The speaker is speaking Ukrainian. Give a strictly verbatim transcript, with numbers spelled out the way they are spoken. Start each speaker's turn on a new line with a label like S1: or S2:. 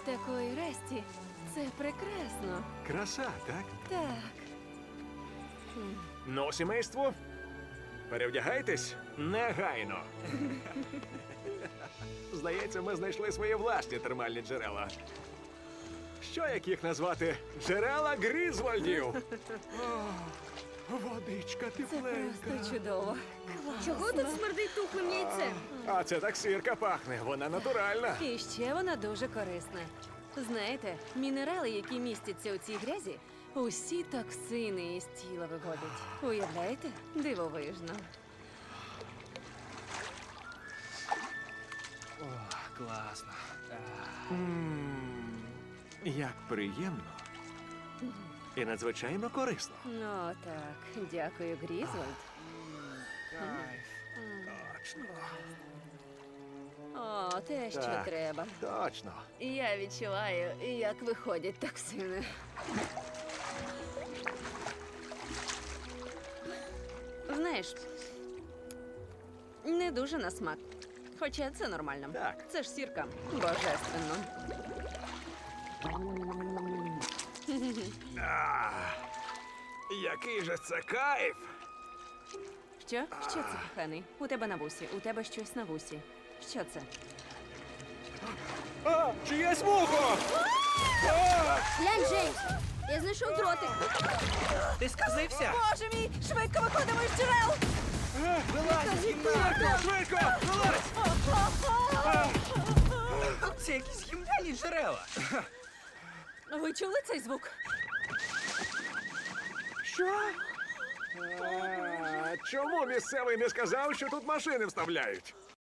S1: такої Ресті це прекрасно.
S2: Краса, так?
S1: Так.
S2: Ну, сімейство, перевдягайтесь негайно. Здається, ми знайшли свої власні термальні джерела. Що, як їх назвати? Джерела Грізвольдів. О, водичка
S1: Це
S2: тепленька.
S1: просто чудово.
S3: Чого тут смердить тухлим яйцем?
S2: А це так сирка пахне, вона натуральна.
S1: І ще вона дуже корисна. Знаєте, мінерали, які містяться у цій грязі, усі токсини із тіла виводять. Уявляєте? Дивовижно.
S4: О, класно.
S2: М, Як приємно. І надзвичайно корисно.
S1: Ну так, дякую, Грізвольд.
S4: Кайф.
S2: Точно.
S1: О, те, що
S2: Так.
S1: треба.
S2: Точно.
S1: Я відчуваю, як виходять токсини. Знаєш, не дуже на смак. Хоча це нормально.
S2: Так.
S1: Це ж сірка. Божественно.
S2: Який же це кайф!
S1: Що? Що це, коханий? У тебе на вусі. У тебе щось на вусі. Що це?
S2: А, чиєсь вухо!
S3: Глянь, Джеймс, я знайшов дротик.
S4: Ти сказився?
S1: Боже мій! Швидко виходимо із джерел!
S4: Вилазь з кімнати!
S2: Швидко! Вилазь!
S4: Це якісь гімняні джерела.
S1: Ви чули цей звук?
S2: Що? А, чому місцевий не сказав, що тут машини вставляють?